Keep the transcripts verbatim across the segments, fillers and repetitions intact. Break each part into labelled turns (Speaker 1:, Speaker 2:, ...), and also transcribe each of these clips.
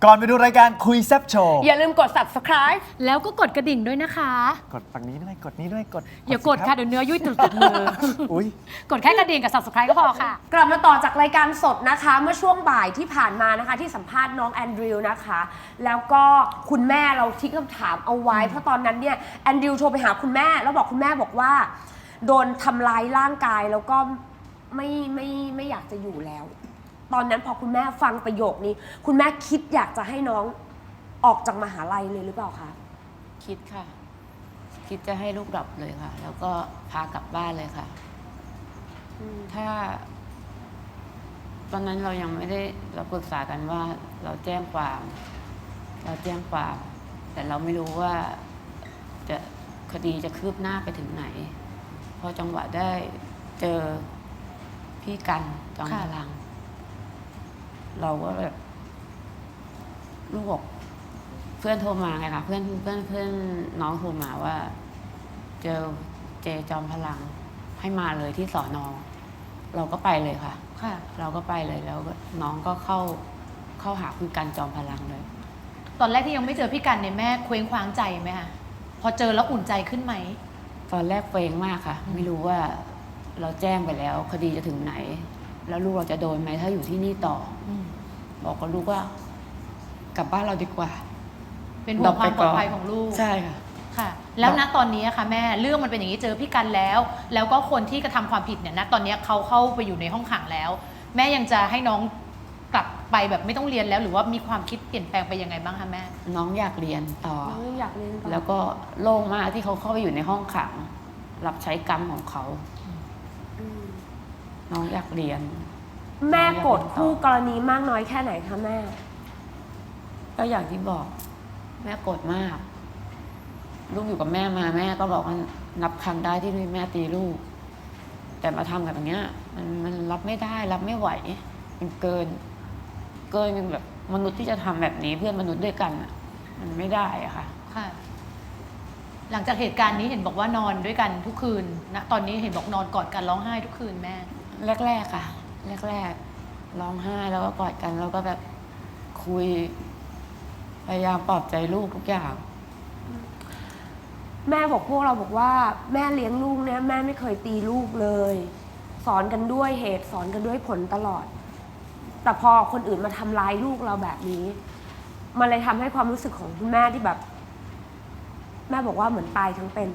Speaker 1: ก่อนไปดูรายการคุยแซ่บโชว์
Speaker 2: อย่าลืมกด ซับสไครบ์
Speaker 3: แล้วก็กดกระดิ่งด้วยนะคะ
Speaker 1: กดฝั่งนี้ด้วยกดนี้ด้วยกด
Speaker 3: อย่ากดค่ะเดี๋ยวเนื้อยุ่ยติดติดมือ
Speaker 1: อุ้ย
Speaker 3: กดแค่กระดิ่งกับ ซับสไครบ์ ก็พอค่ะ
Speaker 2: กลับมาต่อจากรายการสดนะคะ เมื่อช่วงบ่ายที่ผ่านมานะคะที่สัมภาษณ์น้องแอนดริวนะคะ แล้วก็คุณแม่เราทิ้งคำถามเอาไว้ เพราะตอนนั้นเนี่ยแอนดริวโทรไปหาคุณแม่แล้วบอกคุณแม่บอกว่า โดนทำร้ายร่างกายแล้วก็ไม่ไม่ไม่อยากจะอยู่แล้ว ตอนนั้นพอคุณแม่ฟังประโยคนี้ คุณแม่คิดอยากจะให้น้องออกจากมหาลัยเลยหรือเปล่าคะ
Speaker 4: คิดค่ะ คิดจะให้ลูกดรอปเลยค่ะ แล้วก็พากลับบ้านเลยค่ะ ถ้า ตอนนั้นเรายังไม่ได้เราปรึกษากันว่าเราแจ้งความ เราแจ้งความ แต่เราไม่รู้ว่าจะคดีจะคืบหน้าไปถึงไหน พอจังหวะได้เจอพี่กันจอมพลัง เราก็แบบลูกบอกเพื่อนโทรมาไงคะเพื่อนเพื่อนเพื่อนน้องโทรมาว่า เจอเจจอมพลังให้มาเลยที่สอนอเราก็ไปเลยค่ะ
Speaker 3: ค่ะ
Speaker 4: เราก็ไปเลยแล้วน้องก็เข้าเข้าหาคุณกันจอมพลังเลย
Speaker 3: ตอนแรกที่ยังไม่เจอพี่กันเนี่ยแม่เคว้งคว้างใจไหมคะพอเจอแล้วอุ่นใจขึ้นไหม
Speaker 4: ตอนแรกเฟงมากค่ะ ไม่รู้ว่าเราแจ้งไปแล้ว คดีจะถึงไหน แล้วลูกเราจะโดนไหมถ้าอยู่ที่นี่ต่อ
Speaker 3: อืม
Speaker 4: บอกกับลูกว่า กลับบ้านเราดีกว่า
Speaker 3: เป็นห่วงความปลอดภัยของลูก
Speaker 4: ใช่ค่ะ
Speaker 3: ค่ะ แล้วณตอนนี้อะค่ะแม่เรื่องมันเป็นอย่างนี้เจอพี่กันแล้ว แล้วก็คนที่กระทำความผิดเนี่ยณตอนนี้เขาเข้าไปอยู่ในห้องขังแล้ว แม่ยังจะให้น้องกลับไปแบบไม่ต้องเรียนแล้ว หรือว่ามีความคิดเปลี่ยนแปลงไปยังไงบ้างคะแม่
Speaker 4: น้องอยากเรียนต่อ
Speaker 2: น้องอยากเรียนต่อ
Speaker 4: แล้วก็โล่งมากที่เขาเข้าไปอยู่ในห้องขัง รับใช้กรรมของเขา
Speaker 2: อืม
Speaker 4: น้องอยากเรียน
Speaker 2: แม่โกรธคู่กรณีมากน้อยแค่ไหนคะแม่
Speaker 4: ก็อย่างที่บอก แม่โกรธมาก ลูกอยู่กับแม่มาแม่ก็บอกว่านับครั้งได้ที่แม่ตีลูก แต่มาทำกับอย่างเงี้ย มันมันรับไม่ได้ รับไม่ไหว มันเกิน เกินแบบมนุษย์ที่จะทำแบบนี้เพื่อนมนุษย์ด้วยกันอะมันไม่ได้อะค่ะ
Speaker 3: ค่ะ หลังจากเหตุการณ์นี้เห็นบอกว่านอนด้วยกันทุกคืนณตอนนี้เห็นบอกนอนกอดกันร้องไห้ทุกคืนแม่
Speaker 4: แรกๆค่ะ แรกๆร้องไห้แล้วก็กอดกันแล้วก็แบบคุย พยายามปลอบใจลูกทุกอย่าง
Speaker 2: แม่บอกพวกเราบอกว่าแม่เลี้ยงลูกเนี่ยแม่ไม่เคยตีลูกเลย สอนกันด้วยเหตุสอนกันด้วยผลตลอด แต่พอคนอื่นมาทำร้ายลูกเราแบบนี้ มันเลยทำให้ความรู้สึกของคุณแม่ที่แบบ แม่บอกว่าเหมือนตายทั้งเป็น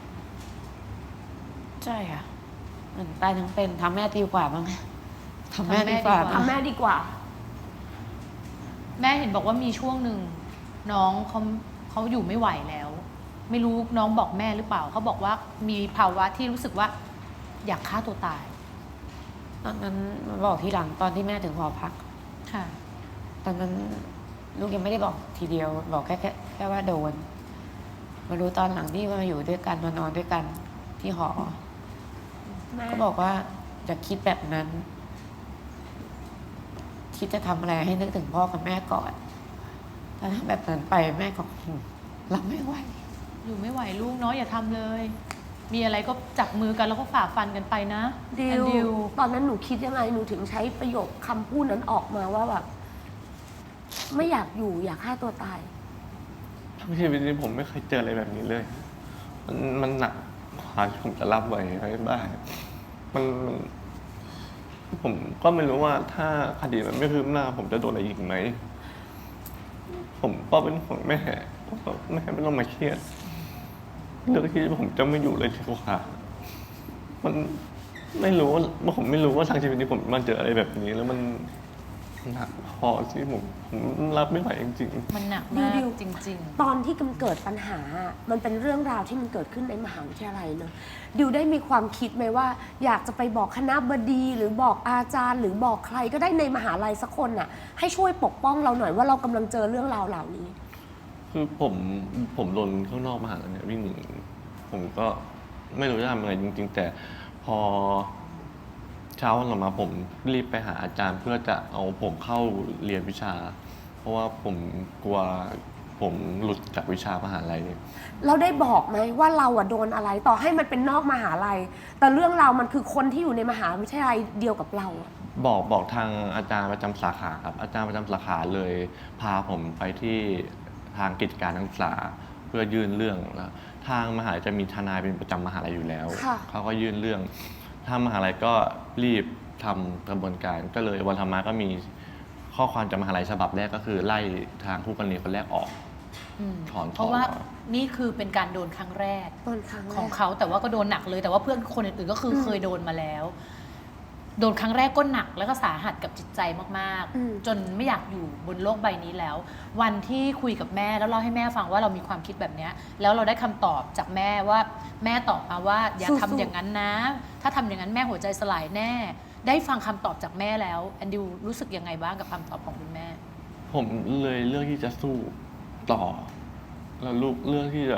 Speaker 4: ใช่ค่ะเหมือนตายทั้งเป็นทำแม่ดีกว่าบ้างทำแม่
Speaker 3: ทำแม่
Speaker 4: ดีกว่า
Speaker 3: ดีกว่า
Speaker 2: ทำแม่ดีกว่า
Speaker 3: แม่เห็นบอกว่ามีช่วงหนึ่งน้องเขาเขาอยู่ไม่ไหวแล้ว ไม่รู้น้องบอกแม่หรือเปล่าเขาบอกว่ามีภาวะที่รู้สึกว่า อยากฆ่าตัวตาย
Speaker 4: ตอนนั้นมาบอกทีหลังตอนที่แม่ถึงหอพัก
Speaker 3: ค่ะ
Speaker 4: ตอนนั้นลูกยังไม่ได้บอกทีเดียว บอกแค่แค่แค่ว่าโดน มารู้ตอนหลังที่มาอยู่ด้วยกันมานอนด้วยกันที่หอ
Speaker 2: แม่
Speaker 4: ก็บอกว่าอย่าคิดแบบนั้น คิดจะทำอะไรให้นึกถึงพ่อกับแม่ก่อน ถ้าทำแบบนั้นไปแม่ก็รับไม่ไหว
Speaker 3: อยู่ไม่ไหวลูกเนาะอย่าทำเลย มีอะไรก็จับมือกันแล้วก็ฝ่าฟันกันไปนะ
Speaker 2: ดิ
Speaker 3: แอนดิ
Speaker 2: วตอนนั้นหนูคิดยังไงหนูถึงใช้ประโยคคำพูดนั้นออกมาว่าแบบ ไม่อยากอยู่อยากฆ่าตัวตาย
Speaker 5: ทั้งชีวิตนี้ผมไม่เคยเจออะไรแบบนี้เลย มันมันหนักกว่าที่ผมจะรับไหวไว้ได้มันมันผมก็ไม่รู้ว่าถ้าคดีมันไม่คืบหน้า ผมจะโดนอะไรอีกไหม ผมก็เป็นห่วงแม่ว่าแม่ไม่ต้องมาเครียดเรื่องที่ผมจะไม่อยู่เลยดีกว่ามันไม่รู้ว่าผมไม่รู้ว่าทางชีวิตนี้ผมมันเจออะไรแบบนี้ แล้วมันหนักพอที่ผมผมรับไม่ไหวจริงๆ
Speaker 3: มันหนักมาก
Speaker 2: ดิว
Speaker 3: จริง
Speaker 2: ตอนที่มันเกิดปัญหา มันเป็นเรื่องราวที่มันเกิดขึ้นในมหาวิทยาลัยเนอะดิวได้มีความคิดไหมว่า อยากจะไปบอกคณะบดีหรือบอกอาจารย์ หรือบอกใครก็ได้ในมหาลัยสักคนน่ะ ให้ช่วยปกป้องเราหน่อยว่าเรากำลังเจอเรื่องราวเหล่านี้
Speaker 5: คือผมผมโดนข้างนอกมหาลัยเนี่ยวิ่งหนีผมก็ไม่รู้จะทำยังไงจริง ๆ แต่พอเช้าวันต่อมาผมรีบไปหาอาจารย์เพื่อจะเอาผมเข้าเรียนวิชา เพราะว่าผมกลัวผมหลุดจากวิชามหาลัย
Speaker 2: เราได้บอกไหมว่าเราอะโดนอะไรต่อให้มันเป็นนอกมหาลัย แต่เรื่องราวมันคือคนที่อยู่ในมหาวิทยาลัยเดียวกับเราอะ
Speaker 5: บอกบอกทางอาจารย์ประจำสาขาครับอาจารย์ประจำสาขาเลยพาผมไปที่ทางกิจการนักศึกษาเพื่อยื่นเรื่องแล้วทางมหาลัยจะมีทนายเป็นประจำมหาลัยอยู่แล้ว
Speaker 2: ค่ะ
Speaker 5: เขาก็ยื่นเรื่องทางมหาลัยก็รีบทำกระบวนการก็เลยวันธรรมะก็มีข้อความจากมหาลัยฉบับแรกก็คือไล่ทางคู่กรณีคนแรกออก
Speaker 3: อืม
Speaker 5: ถอน
Speaker 3: เพราะว่า
Speaker 5: ถอน
Speaker 3: นี่คือเป็นการโดนครั้งแรก
Speaker 2: ต้นครั้งแรก
Speaker 3: ของเขาแต่ว่าก็โดนหนักเลยแต่ว่าเพื่อนคนอื่นๆก็คืออ
Speaker 2: ม
Speaker 3: เคยโดนมาแล้ว โดนครั้งแรกก็หนักแล้วก็สาหัสกับจิตใจมาก
Speaker 2: อืม
Speaker 3: ๆ จนไม่อยากอยู่บนโลกใบนี้แล้ว วันที่คุยกับแม่แล้วเล่าให้แม่ฟังว่าเรามีความคิดแบบเนี้ยแล้วเราได้คำตอบจากแม่ว่าแม่ตอบมาว่าอย่าทำอย่างนั้นนะ ถ้าทำอย่างนั้นแม่หัวใจสลายแน่ ได้ฟังคำตอบจากแม่แล้วแอนดิวรู้สึกยังไงบ้างกับคำตอบของคุณแม่
Speaker 5: ผมเลยเลือกที่จะสู้ต่อ แล้วลูกเลือกที่จะ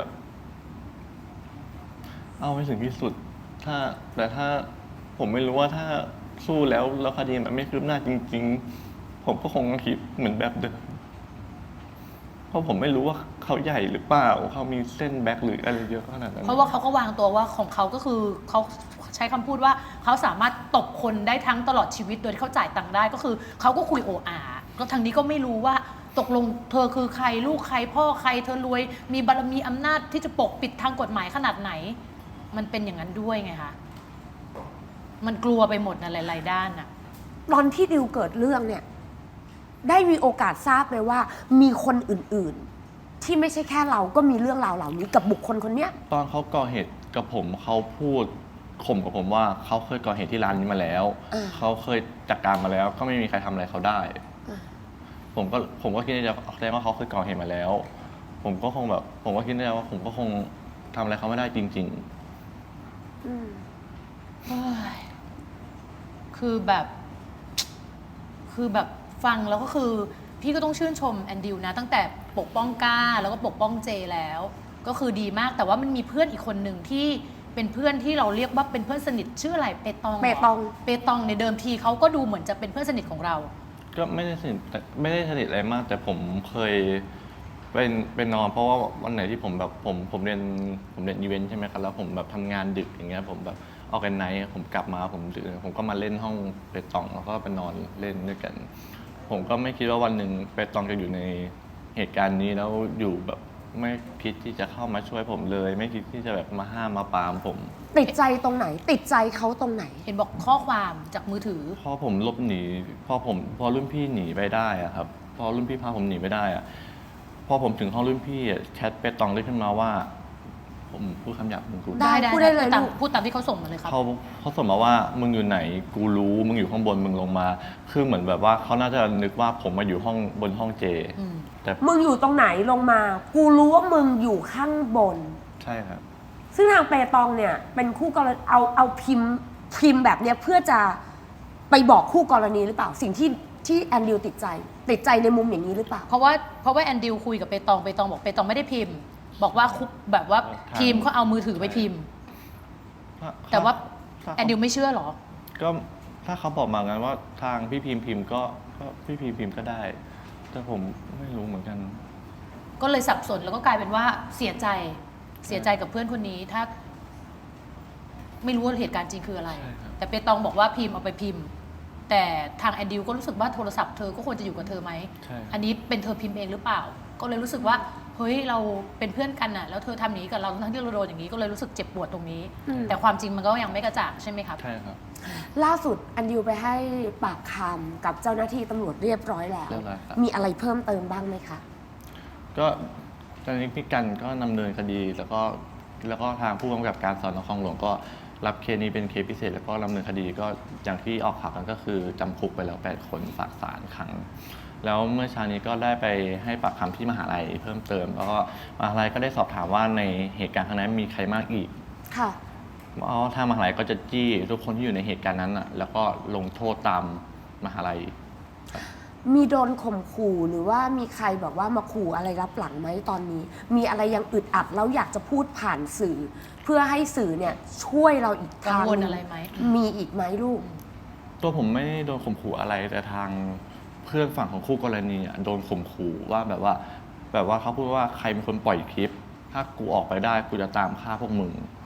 Speaker 5: เอาไปถึงที่สุด ถ้า แต่ถ้าผมไม่รู้ว่าถ้าสู้แล้วแล้วคดีมันไม่คืบหน้าจริง ๆ ผมก็คงคิดเหมือนแบบเดิม เพราะผมไม่รู้ว่าเขาใหญ่หรือเปล่า เขามีเส้นแบ็คหรืออะไรเยอะขนาดนั้น
Speaker 3: เพราะว่าเขาก็วางตัวว่าของเขาก็คือเขาใช้คำพูดว่าเขาสามารถตบคนได้ทั้งตลอดชีวิตโดยที่เขาจ่ายตังค์ได้ก็คือเขาก็คุยโออาก็ทางนี้ก็ไม่รู้ว่าตกลงเธอคือใครลูกใครพ่อใครเธอรวยมีบารมีอำนาจที่จะปกปิดทางกฎหมายขนาดไหน มันเป็นอย่างนั้นด้วยไงคะมันกลัวไปหมดนะหลายๆด้านน่ะ
Speaker 2: ตอนที่ดิวเกิดเรื่องเนี่ย ได้มีโอกาสทราบไหมว่า มีคนอื่นๆ ที่ไม่ใช่แค่เราก็มีเรื่องราวเหล่านี้กับบุคคลคนเนี้ย
Speaker 5: ตอนเขาก่อเหตุกับผมเขาพูดข่มกับผมว่าเขาเคยก่อเหตุที่ร้านนี้มาแล้ว
Speaker 2: เออ
Speaker 5: เขาเคยจัดการมาแล้ว ก็ไม่มีใครทำอะไรเขาได้
Speaker 2: เออ
Speaker 5: ผมก็ผมก็คิดในใจแสดงว่าเขาเคยก่อเหตุมาแล้ว ผมก็คงแบบ ผมก็คิดในใจว่าผมก็คงทำอะไรเขาไม่ได้จริง
Speaker 2: อืม
Speaker 3: เฮ้ยคือแบบ คือแบบฟังแล้วก็คือ พี่ก็ต้องชื่นชมแอนดิวนะ ตั้งแต่ปกป้องก้าแล้วก็ปกป้องเจแล้ว ก็คือดีมากแต่ว่ามันมีเพื่อนอีกคนหนึ่งที่เป็นเพื่อนที่เราเรียกว่าเป็นเพื่อนสนิทชื่ออะไรเปตองหร
Speaker 2: เปตอง
Speaker 3: เปตองในเดิมทีเขาก็ดูเหมือนจะเป็นเพื่อนสนิทของเรา
Speaker 5: ๆ ก็ไม่ได้สนิทแต่ไม่ได้สนิทอะไรมาก แต่ผมเคยเป็นเป็นนอน เพราะว่าวันไหนที่ผมแบบผมผมเรียนผมเรียนอีเวนต์ใช่ไหมครับแล้วผมแบบทำงานดึกอย่างเงี้ยผมแบบออกกันไนท์ผมกลับมาผมดึกผมก็มาเล่นห้องเปตองแล้วก็ไปนอนเล่นด้วยกัน ผมก็ไม่คิดว่าวันหนึ่งเปตองจะอยู่ในเหตุการณ์นี้แล้วอยู่แบบไม่คิดที่จะเข้ามาช่วยผมเลย ไม่คิดที่จะแบบมาห้ามมาปรามผม
Speaker 2: ติดใจตรงไหน ติดใจเขาตรงไหน
Speaker 3: เห็นบอกข้อความจากมือถือ
Speaker 5: พอผมหลบหนีพอผมพอรุ่นพี่หนีไปได้อะครับ พอรุ่นพี่พาผมหนีไปได้อะพอผมถึงห้องรุ่นพี่อะแชทเปตองได้ขึ้นมาว่า ผมพูดคำหยาบมึงกู
Speaker 2: ได้พูดได้เลย
Speaker 3: ตาม
Speaker 2: ลูก
Speaker 3: พูดตามที่เขาส่งมาเลยครับ
Speaker 5: เขาเขาส่งมาว่ามึงอยู่ไหนกูรู้มึงอยู่ข้างบนมึงลงมา คือเหมือนแบบว่าเขาน่าจะนึกว่าผมมาอยู่ห้องบนห้องเจ
Speaker 3: อืม
Speaker 5: แต่
Speaker 2: มึงอยู่ตรงไหนลงมา กูรู้ว่ามึงอยู่ข้างบน
Speaker 5: ใช่ครับ
Speaker 2: ซึ่งทางเปตองเนี่ย เป็นคู่กรณีเอาเอาพิมพ์พิมพ์แบบเนี้ยเพื่อจะไปบอกคู่กรณีหรือเปล่า สิ่งที่ที่แอนดิวติดใจ ติดใจในมุมอย่างนี้หรือเปล่า
Speaker 3: เพราะว่าเพราะว่าแอนดิวคุยกับเปตองเปตองบอกเปตองไม่ได้พิมพ์ บอกว่าคุแบบว่าพิมพ์เขาเอามือถือไปพิมพ์ แต่ว่า
Speaker 5: ถ้า
Speaker 3: แอนดิวไม่เชื่อเหรอ
Speaker 5: ก็ถ้าเขาบอกมางั้นว่าทางพี่พิมพ์พิมพ์ก็ก็พี่พิมพ์พิมพ์ก็ได้ แต่ผมไม่รู้เหมือนกัน
Speaker 3: ก็เลยสับสนแล้วก็กลายเป็นว่าเสียใจเสียใจกับเพื่อนคนนี้ถ้า ไม่รู้ว่าเหตุการณ์จริงคืออะไร
Speaker 5: ใช่ครับ
Speaker 3: แต่เปตองบอกว่าพิมพ์เอาไปพิมพ์ แต่ทางแอนดิวก็รู้สึกว่าโทรศัพท์เธอก็ควรจะอยู่กับเธอไหม
Speaker 5: ใช่
Speaker 3: อันนี้เป็นเธอพิมพ์เองหรือเปล่า ก็เลยรู้สึกว่าเฮ้ยเราเป็นเพื่อนกันน่ะแล้วเธอทำอย่างนี้กับเราทั้งที่เราโดนอย่างนี้ก็เลยรู้สึกเจ็บปวดตรงนี้
Speaker 2: อืม
Speaker 3: แต่ความจริงมันก็ยังไม่กระจ่างใช่ไหมครับ
Speaker 5: ใช่ครับ
Speaker 2: ล่าสุดแอนดิวไปให้ปากคำกับเจ้าหน้าที่ตำรวจเรียบร้อยแล้ว
Speaker 5: เรียบร้อยครับ
Speaker 2: มีอะไรเพิ่มเติมบ้างไหมคะ
Speaker 5: ก็ตอนนี้พี่กันก็ดำเนินคดีแล้วก็แล้วก็ทางผู้กำกับการสอนอคลองหลวงก็รับเคสนี้เป็นเคสพิเศษ แล้วก็ดำเนินคดีก็อย่างที่ออกข่าวกันก็คือจำคุกไปแล้วแปดคนฝากศาลขัง แล้วเมื่อเช้านี้ก็ได้ไปให้ปากคำที่มหาลัยเพิ่มเติม แล้วก็มหาลัยก็ได้สอบถามว่าในเหตุการณ์ครั้งนั้นมีใครมากอีก
Speaker 2: ค่ะ
Speaker 5: อ๋อทางมหาลัยก็จะจี้ทุกคนที่อยู่ในเหตุการณ์นั้นอ่ะแล้วก็ลงโทษตามมหาลัย
Speaker 2: มีโดนข่มขู่หรือว่ามีใครแบบว่ามาขู่อะไรรับหลังไหมตอนนี้ มีอะไรยังอึดอัดแล้วอยากจะพูดผ่านสื่อ เพื่อให้สื่อเนี่ยช่วยเราอีก
Speaker 3: กัง
Speaker 2: ทาง
Speaker 3: วล
Speaker 2: หนึ่
Speaker 3: อะไรไหม
Speaker 2: มีอีกไหมลูก
Speaker 5: ตัวผมไม่ได้โดนข่มขู่อะไรแต่ทางเพื่อนฝั่งของคู่กรณีอ่ะโดนข่มขู่ว่าแบบว่า แบบว่าเขาพูดว่าใครเป็นคนปล่อยคลิป ถ้ากูออกไปได้กูจะตามฆ่าพวกมึง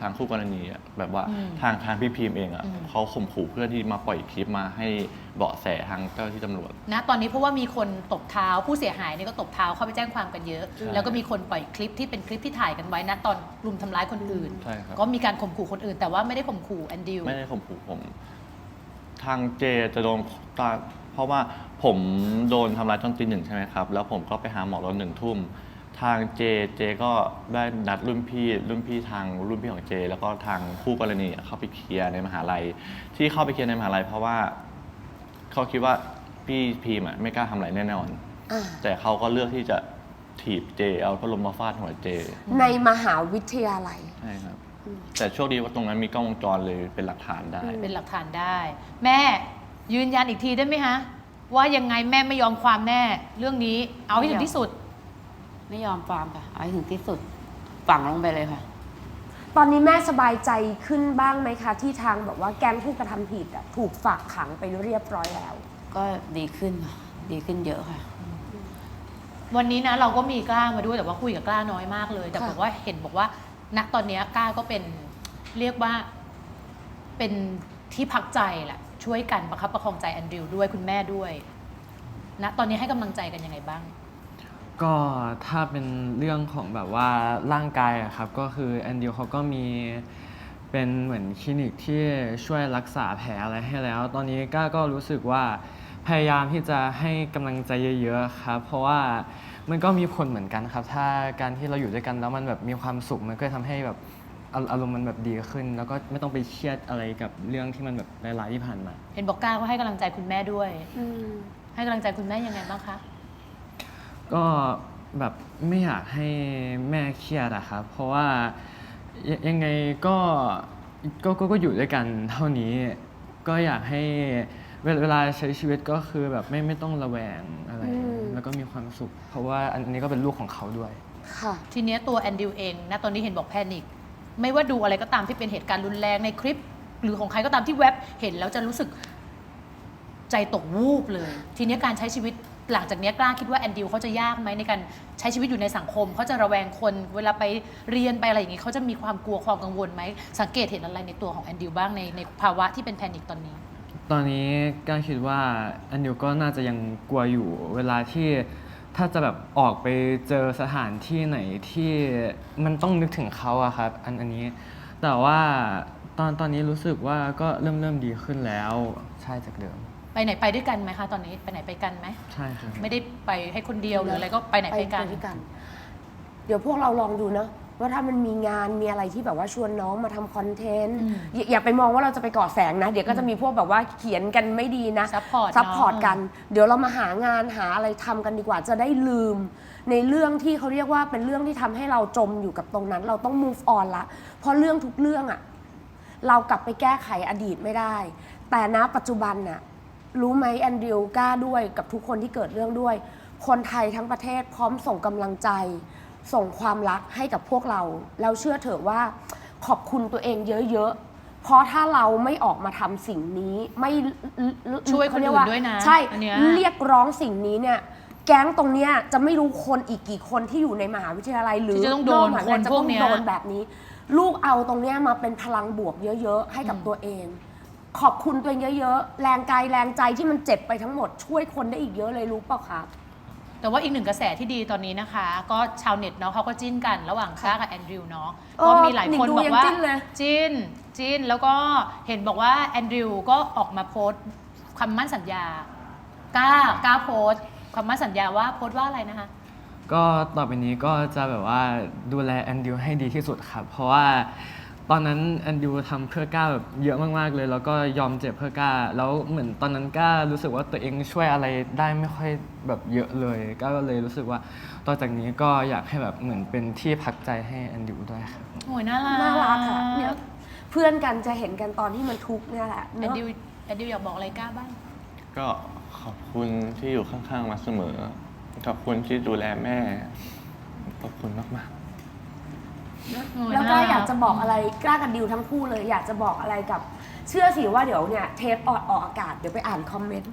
Speaker 5: ทางคู่กรณีอะแบบว่า
Speaker 3: อืม
Speaker 5: ทางทางพี่พิมพ์เองอะ
Speaker 3: อืม
Speaker 5: เขาข่มขู่เพื่อนที่มาปล่อยคลิปมาให้เบาะแสทางเจ้าหน้าที่ตำรวจ
Speaker 3: นะตอนนี้เพราะว่ามีคนตบเท้าผู้เสียหายนี่ก็ตบเท้าเข้าไปแจ้งความกันเยอะ
Speaker 5: ใช่
Speaker 3: แล้วก็มีคนปล่อยคลิปที่เป็นคลิปที่ถ่ายกันไว้นะตอนรุมทำร้ายคนอื่น
Speaker 5: ใช่ครับ
Speaker 3: ก็มีการข่มขู่คนอื่น แต่ว่าไม่ได้ข่มขู่แอนดิว
Speaker 5: ไม่ได้ข่มขู่ผม ทางเจจะโดนตาเพราะว่าผมโดนทำร้ายตอนตีหนึ่งใช่ไหมครับ แล้วผมก็ไปหาหมอตอนหนึ่งทุ่ม ทางเจเจก็ได้นัดรุ่นพี่รุ่นพี่ทางรุ่นพี่ของเจ แล้วก็ทางคู่กรณีเข้าไปเคลียร์ในมหาลัย ที่เข้าไปเคลียร์ในมหาลัยเพราะว่าเขาคิดว่าพี่พีมอะไม่กล้าทำอะไรแน่นอน
Speaker 2: อ่า
Speaker 5: แต่เขาก็เลือกที่จะถีบเจ เอาพัดลมมาฟาดหัวเจ
Speaker 2: ในมหาวิทยาลัย
Speaker 5: ใช่ครับ แต่โชคดีว่าตรงนั้นมีกล้องวงจรเลยเป็นหลักฐานได้
Speaker 3: เป็นหลักฐานได้ แม่ยืนยันอีกทีได้ไหมฮะ ว่ายังไงแม่ไม่ยอมความแน่ เรื่องนี้เอาให้ถึงที่สุด
Speaker 4: ไม่ยอมความค่ะเอาให้ถึงที่สุดฝังลงไปเลยค่ะ
Speaker 2: ตอนนี้แม่สบายใจขึ้นบ้างไหมคะ ที่ทางแบบว่าแก๊งผู้กระทำผิดอะถูกฝากขังไปเรียบร้อยแล้ว
Speaker 4: ก็ดีขึ้นค่ะดีขึ้นเยอะค่ะ
Speaker 3: วันนี้นะเราก็มีกล้ามาด้วยแต่ว่าคุยกับกล้าน้อยมากเลย แต่
Speaker 2: ค่ะ
Speaker 3: บอกว่าเห็นบอกว่าณตอนนี้กล้าก็เป็นเรียกว่าเป็นที่พักใจแหละช่วยกันประคับประคองใจแอนดริวด้วยคุณแม่ด้วยณตอนนี้ให้กำลังใจกันยังไงบ้าง
Speaker 6: ก็ถ้าเป็นเรื่องของแบบว่าร่างกายอะครับก็คือแอนดิวเขาก็มีเป็นเหมือนคลินิกที่ช่วยรักษาแผลอะไรให้แล้ว ตอนนี้ก้าก็รู้สึกว่าพยายามที่จะให้กำลังใจเยอะๆครับเพราะว่ามันก็มีผลเหมือนกันครับถ้าการที่เราอยู่ด้วยกันแล้วมันแบบมีความสุขมันก็ทำให้แบบอาอารมณ์มันแบบดีขึ้น แล้วก็ไม่ต้องไปเครียดอะไรกับเรื่องที่มันแบบร้ายๆที่ผ่านมา
Speaker 3: เห็นบอกกล้าก็ให้กำลังใจคุณแม่ด้วย
Speaker 2: อืม
Speaker 3: ให้กำลังใจคุณแม่ยังไงบ้างคะ
Speaker 6: ก็แบบไม่อยากให้แม่เครียดอะครับเพราะว่ายยังไงก็ก็ก็ก็อยู่ด้วยกันเท่านี้ ก็อยากให้เวลาเวลาใช้ชีวิตก็คือแบบไม่ไม่ต้องระแวงอะไร
Speaker 2: อืม
Speaker 6: แล้วก็มีความสุข เพราะว่าอันนี้ก็เป็นลูกของเขาด้วย
Speaker 2: ค่ะ
Speaker 3: ทีเนี้ยตัวแอนดิวเองนะตอนนี้เห็นบอกแพนิคไม่ว่าดูอะไรก็ตามที่เป็นเหตุการณ์รุนแรงในคลิป หรือของใครก็ตามที่เว็บเห็นแล้วจะรู้สึกใจตกวูบเลย ทีเนี้ยการใช้ชีวิตหลังจากเนี้ยกล้าคิดว่าแอนดิวเขาจะยากไหมในการใช้ชีวิตอยู่ในสังคมเขาจะระแวงคนเวลาไปเรียนไปอะไรอย่างงี้เขาจะมีความกลัวความกังวลไหมสังเกตเห็นอะไรในตัวของแอนดิวบ้างในในภาวะที่เป็นแพนิคตอนนี้
Speaker 6: ตอนนี้ก้าคิดว่าอันดิวก็น่าจะยังกลัวอยู่ เวลาที่ถ้าจะแบบออกไปเจอสถานที่ไหนที่มันต้องนึกถึงเขาอะครับอันอันนี้ แต่ว่าตอนตอนนี้รู้สึกว่าก็เริ่มเริ่มดีขึ้นแล้วใช่จากเดิม
Speaker 3: ไปไหนไปด้วยกันไหมคะตอนนี้ไปไหนไปกันไหม
Speaker 6: ใช่ครับ
Speaker 3: ไม่ได้ไปให้คนเดียวหรืออะไรก็ไปไหนไปกัน
Speaker 2: ด้วยกัน เดี๋ยวพวกเราลองดูเนาะว่าถ้ามันมีงานมีอะไรที่แบบว่าชวนน้องมาทำคอนเทนต์
Speaker 3: อืม
Speaker 2: อย่าอย่าไปมองว่าเราจะไปก่อแสงนะ เดี๋ยวก็จะมีพวกแบบว่าเขียนกันไม่ดีนะ
Speaker 3: Support
Speaker 2: ซัพพอร์ต
Speaker 3: เนอะ
Speaker 2: กัน เดี๋ยวเรามาหางานหาอะไรทำกันดีกว่าจะได้ลืม ในเรื่องที่เขาเรียกว่าเป็นเรื่องที่ทำให้เราจมอยู่กับตรงนั้น เราต้อง move on ละเพราะเรื่องทุกเรื่องอะเรากลับไปแก้ไขอดีตไม่ได้ แต่ณปัจจุบันน่ะรู้ไหมแอนดริวกล้าด้วยกับทุกคนที่เกิดเรื่องด้วย คนไทยทั้งประเทศพร้อมส่งกำลังใจ ส่งความรักให้กับพวกเรา แล้วเชื่อเถอะว่าขอบคุณตัวเองเยอะๆ เพราะถ้าเราไม่ออกมาทำสิ่งนี้ไม่
Speaker 3: ช่วยคนอื่น
Speaker 2: เขาเรีกา
Speaker 3: ด้วยนะ
Speaker 2: ใช่
Speaker 3: อันเนี้ย
Speaker 2: เรียกร้องสิ่งนี้เนี่ยแก๊งตรงเนี้ยจะไม่รู้คนอีกกี่คนที่อยู่ในมหาวิทยาลัยหรือ
Speaker 3: ที่จะต้องโดน
Speaker 2: กมหาวิทยาลัย
Speaker 3: คน
Speaker 2: จะ
Speaker 3: พว
Speaker 2: ต้
Speaker 3: ก
Speaker 2: อง
Speaker 3: เนี้ย
Speaker 2: โดนแบบนี้ ลูกเอาตรงเนี้ยมาเป็นพลังบวกเยอะๆ ให้กับตัวเอง ขอบคุณตัวเองเยอะๆ แรงกายแรงใจที่มันเจ็บไปทั้งหมดช่วยคนได้อีกเยอะเลยรู้เปล่าครับ
Speaker 3: แต่ว่าอีกหนึ่งกระแสที่ดีตอนนี้นะคะ ก็ชาวเน็ตเนาะเขาก็จิ้นกันระหว่างก้ากับแอนดริวเนาะ
Speaker 2: เออ
Speaker 3: ก็มีหลายคน
Speaker 2: หนิงดู
Speaker 3: บอกว่า
Speaker 2: ยังจิ้นเลย
Speaker 3: จิ้นจิ้นแล้วก็เห็นบอกว่าแอนดริวก็ออกมาโพสต์คำมั่นสัญญากล้ากล้าโพสต์คำมั่นสัญญาว่าโพสต์ว่าอะไรนะคะ
Speaker 6: ก็ต่อไปนี้ก็จะแบบว่าดูแลแอนดิวให้ดีที่สุดครับ เพราะว่าตอนนั้นแอนดิวทำเพื่อก้าแบบเยอะมากๆเลย แล้วก็ยอมเจ็บเพื่อก้า แล้วเหมือนตอนนั้นก้ารู้สึกว่าตัวเองช่วยอะไรได้ไม่ค่อยแบบเยอะเลยก้าก็เลยรู้สึกว่าต่อจากนี้ก็อยากให้แบบเหมือนเป็นที่พักใจให้แอนดิวด้วยครับ
Speaker 3: โอ้ยน่ารัก
Speaker 2: น่ารักค่ะเนี่ยเพื่อนกันจะเห็นกันตอนที่มันทุกข์เนี่ยแหละ
Speaker 3: แอ
Speaker 2: เน
Speaker 3: น
Speaker 2: อะ
Speaker 3: ดิวแอนดิวอยากบอกอะไรก้าบ้าง
Speaker 5: ก็ขอบคุณที่อยู่ข้างๆมาเสมอ ขอบคุณที่ดูแลแม่ ขอบคุณมากๆ
Speaker 2: แล้วก็อยากจะบอกอะไรกล้ากับดิวทั้งคู่เลย อยากจะบอกอะไรกับเชื่อสิว่าเดี๋ยวเนี่ยเทปออกออกอากาศเดี๋ยวไปอ่านคอมเมนต์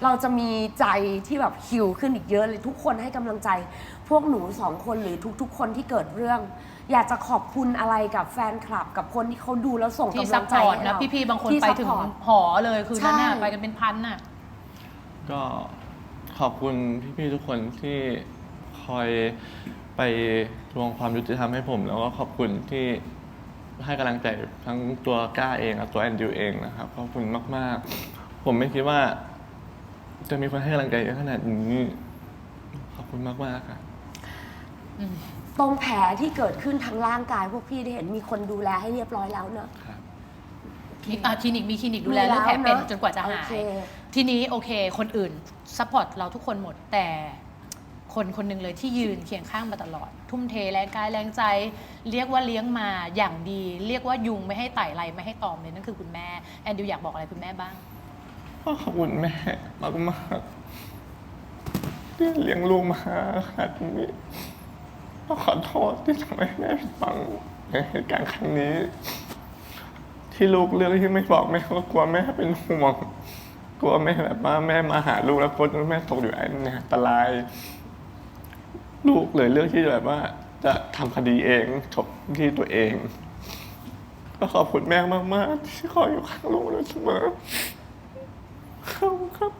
Speaker 2: เราจะมีใจที่แบบฮิวขึ้นอีกเยอะเลยทุกคนให้กำลังใจ พวกหนูสองคนหรือทุกๆ คนที่เกิดเรื่อง อยากจะขอบคุณอะไรกับแฟนคลับ กับคนที่เขาดูแล้วส่ง
Speaker 3: ที่
Speaker 2: กำ
Speaker 3: ซั
Speaker 2: ลั
Speaker 3: พ
Speaker 2: ง
Speaker 3: พ
Speaker 2: ใจ
Speaker 3: อร์ต
Speaker 2: ให้
Speaker 3: นะ
Speaker 2: เรา
Speaker 3: พี่ๆบางคน
Speaker 2: ที่
Speaker 3: ไปถึง
Speaker 2: ซัพพอร์ต
Speaker 3: หอเลยคือนั่นน่ะ
Speaker 2: ใช่
Speaker 3: ไปกันเป็นพันน่ะ
Speaker 5: ก็ขอบคุณพี่ๆทุกคนที่คอยไปทวงความยุติธรรมให้ผม แล้วก็ขอบคุณที่ให้กำลังใจทั้งตัวก้าเองและตัวแอนดิวเองนะครับขอบคุณมากๆ ผมไม่คิดว่า จะมีคนให้กำลังใจเยอะขนาดนี้ขอบคุณมากๆครับ
Speaker 2: ตรงแผลที่เกิดขึ้นทางร่างกายพวกพี่ได้เห็นมีคนดูแลให้เรียบร้อยแล้วเนอะ
Speaker 5: ครับ
Speaker 3: มีอ่ะคลินิกมีคลินิกดูแลเรื่องแผลเป็นจนกว่าจะหาย
Speaker 2: โอเค
Speaker 3: ทีนี้โอเค คนอื่นซัพพอร์ตเราทุกคนหมด แต่คนคนหนึ่งเลยที่ยืนเคียงข้างมาตลอด ทุ่มเทแรงกายแรงใจ เรียกว่าเลี้ยงมาอย่างดี เรียกว่ายุงไม่ให้ไต่ไรไม่ให้ตอมเลยนั่นคือคุณแม่แอนดิวอยากบอกอะไรคุณแม่บ้าง
Speaker 5: ก็ขอบคุณแม่มากๆที่เลี้ยงลูกมาขนาดนี้ก็ขอโทษที่ทำให้แม่ผิดหวังในเหตุการณ์ครั้งนี้ ที่ลูกเลือกที่ไม่บอกแม่ก็กลัวแม่เป็นห่วงกลัวแม่แบบว่าแม่มาหาลูกแล้วพดแม่ตกอยู่ในอันตราย ลูกเลยเลือกที่แบบว่าจะทำคดีเองจบที่ตัวเอง ก็ขอบคุณแม่มากๆที่คอยอยู่ข้างลูกเสมอขอบคุณครับ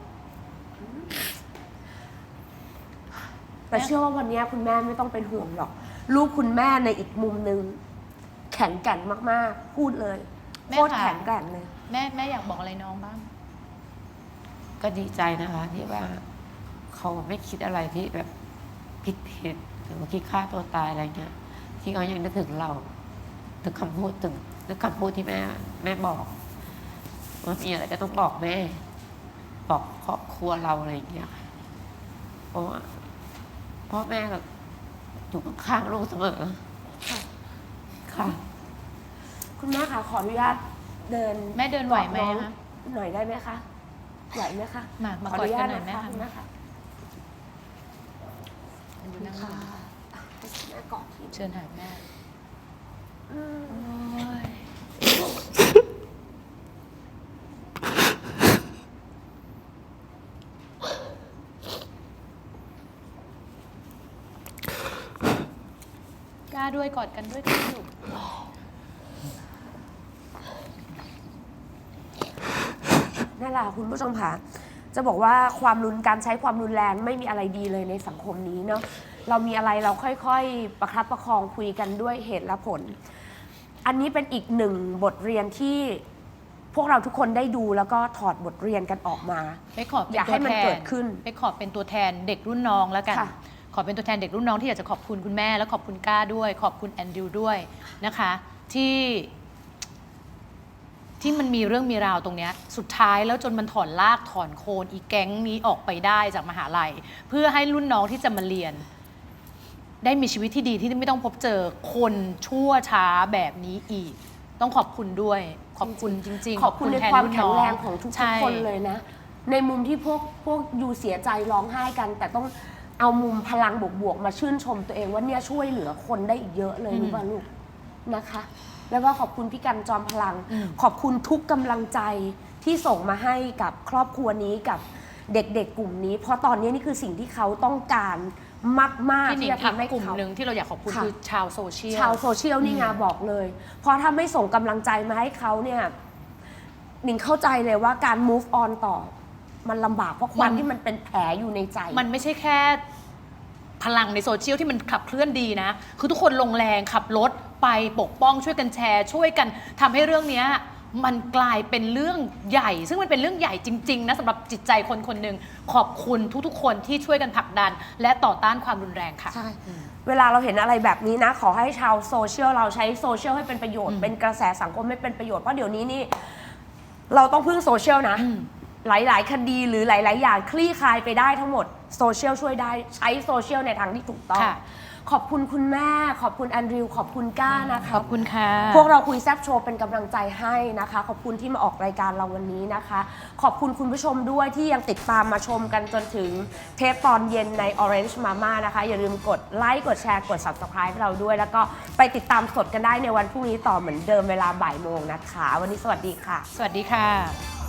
Speaker 2: แต่เชื่อว่าวันนี้คุณแม่ไม่ต้องเป็นห่วงหรอก ลูกคุณแม่ในอีกมุมหนึ่งแข็งแกร่งมากๆ พูดเลย
Speaker 3: แม่
Speaker 2: โคตร
Speaker 3: ค่ะ
Speaker 2: แข็งแกร่งเลย
Speaker 3: แม่แม่อยากบอกอะไรน้องบ้าง
Speaker 4: ก็ดีใจนะคะ ที่ว่าเขาไม่คิดอะไรที่แบบผิดผิดหรือว่าคิดฆ่าตัวตายอะไรเงี้ยที่เขายังนึกถึงเรานึกคำพูดถึงนึกคำพูดที่แม่แม่บอกว่ามีอะไรก็ต้องบอกแม่ บอกครอบครัวเราอะไรอย่างเงี้ยค่ะเพราะว่าพ่อแม่แบบอยู่ข้างๆลูกเสมอค่ะ
Speaker 2: คุณแม่คะขออนุญาตเดิน
Speaker 3: แม่เดินไหวไหม
Speaker 2: กอดน้อง
Speaker 3: คะ
Speaker 2: หน่อยได้ไหมคะไหวไหมคะ
Speaker 3: มามา
Speaker 2: ขออนุญาต
Speaker 3: กอดกันหน่อย
Speaker 2: นะคะ
Speaker 3: แม่
Speaker 2: คุณแม่ค่ะ
Speaker 3: ดูนั่ง
Speaker 2: ค่ะแม่กอดที
Speaker 3: เชิญหาแม่
Speaker 2: อืม
Speaker 3: กล้าด้วยกอดกันด้วยกันอยู่
Speaker 2: นั่นแหละคุณผู้ชมค่ะจะบอกว่าความรุนการใช้ความรุนแรงไม่มีอะไรดีเลยในสังคมนี้เนาะเรามีอะไรเราค่อยๆประคับประคองคุยกันด้วยเหตุและผล อันนี้เป็นอีกหนึ่งบทเรียนที่พวกเราทุกคนได้ดูแล้วก็ถอดบทเรียนกันออกมา
Speaker 3: ไปขอเป็น
Speaker 2: อยาก
Speaker 3: ตั
Speaker 2: ให้
Speaker 3: ว
Speaker 2: มัน
Speaker 3: แทน
Speaker 2: เกิดขึ้น
Speaker 3: ไปขอเป็นตัวแทนเด็กรุ่นน้องแล้วกัน
Speaker 2: ค่ะ
Speaker 3: ขอเป็นตัวแทนเด็กรุ่นน้องที่อยากจะขอบคุณคุณแม่และขอบคุณก้าด้วย ขอบคุณแอนดิวด้วยนะคะ ที่ที่มันมีเรื่องมีราวตรงเนี้ยสุดท้ายแล้วจนมันถอนลากถอนโคนอีแก๊งนี้ออกไปได้จากมหาลัย เพื่อให้รุ่นน้องที่จะมาเรียน ได้มีชีวิตที่ดีที่ไม่ต้องพบเจอคนชั่วช้าแบบนี้อีก ต้องขอบคุณด้วย ขอบคุณจริงๆ
Speaker 2: ขอบคุณใน
Speaker 3: แท
Speaker 2: ความ
Speaker 3: รุ่น
Speaker 2: แข็
Speaker 3: น้
Speaker 2: งแรงของทุก
Speaker 3: ใช่
Speaker 2: ๆคนเลยนะ ในมุมที่พวกพวกยูเสียใจร้องไห้กัน แต่ต้องเอามุมพลังบวกๆมาชื่นชมตัวเองว่าเนี่ยช่วยเหลือคนได้อีกเยอะเลยรู้ป่ะลูกนะคะ แล้วก็ขอบคุณพี่กันจอมพลัง
Speaker 3: อืม
Speaker 2: ขอบคุณทุกกำลังใจที่ส่งมาให้กับครอบครัวนี้กับเด็กๆกลุ่มนี้ เพราะตอนนี้นี่คือสิ่งที่เขาต้องการมากๆ
Speaker 3: พี่หนิ
Speaker 2: ที่
Speaker 3: ง
Speaker 2: จะ
Speaker 3: อีก
Speaker 2: ทำให้
Speaker 3: กลุ่ม
Speaker 2: เขา
Speaker 3: หนึ่งที่เราอยากขอบคุณ
Speaker 2: ค่ะ
Speaker 3: คือชาวโซเชียล
Speaker 2: ชาวโซเชียลนี่ไงบอกเลย เพราะถ้าไม่ส่งกำลังใจมาให้เขาเนี่ยหนิงเข้าใจเลยว่าการ move on ต่อ มันลำบากเพราะความที่มันเป็นแผลอยู่ในใจ
Speaker 3: มันไม่ใช่แค่พลังในโซเชียลที่มันขับเคลื่อนดีนะ คือทุกคนลงแรงขับรถไปปกป้องช่วยกันแชร์ ช่วยกันทำให้เรื่องเนี้ยมันกลายเป็นเรื่องใหญ่ ซึ่งมันเป็นเรื่องใหญ่จริงๆนะสำหรับจิตใจคนคนหนึ่งขอบคุณทุกๆ คนที่ช่วยกันผลักดัน และต่อต้านความรุนแรงค่ะ
Speaker 2: ใช่ เวลาเราเห็นอะไรแบบนี้นะ ขอให้ชาวโซเชียลเราใช้โซเชียลให้เป็นประโยชน์
Speaker 3: อืม
Speaker 2: เป็นกระแสสังคมให้เป็นประโยชน์ เพราะเดี๋ยวนี้นี่ เราต้องพึ่งโซเชียลนะ
Speaker 3: อืม
Speaker 2: หลาย ๆ คดีหรือหลาย ๆ อย่างคลี่คลายไปได้ทั้งหมดโซเชียลช่วยได้ใช้โซเชียลในทางที่ถูกต้อง
Speaker 3: ค่ะ
Speaker 2: ขอบคุณคุณแม่ ขอบคุณแอนดริวขอบคุณก้านะคะ
Speaker 3: ขอบคุณค่ะ
Speaker 2: พวกเราคุยแซบโชว์เป็นกำลังใจให้นะคะ ขอบคุณที่มาออกรายการเราวันนี้นะคะ ขอบคุณคุณผู้ชมด้วยที่ยังติดตามมาชมกันจนถึงเทปตอนเย็นใน Orange Mama นะคะ อย่าลืมกดไลค์กดแชร์กด Subscribe ให้เราด้วย แล้วก็ไปติดตามสดกันได้ในวันพรุ่งนี้ต่อเหมือนเดิมเวลาบ่ายโมงนะคะ วันนี้สวัสดีค่ะ
Speaker 3: สวัสดีค่ะ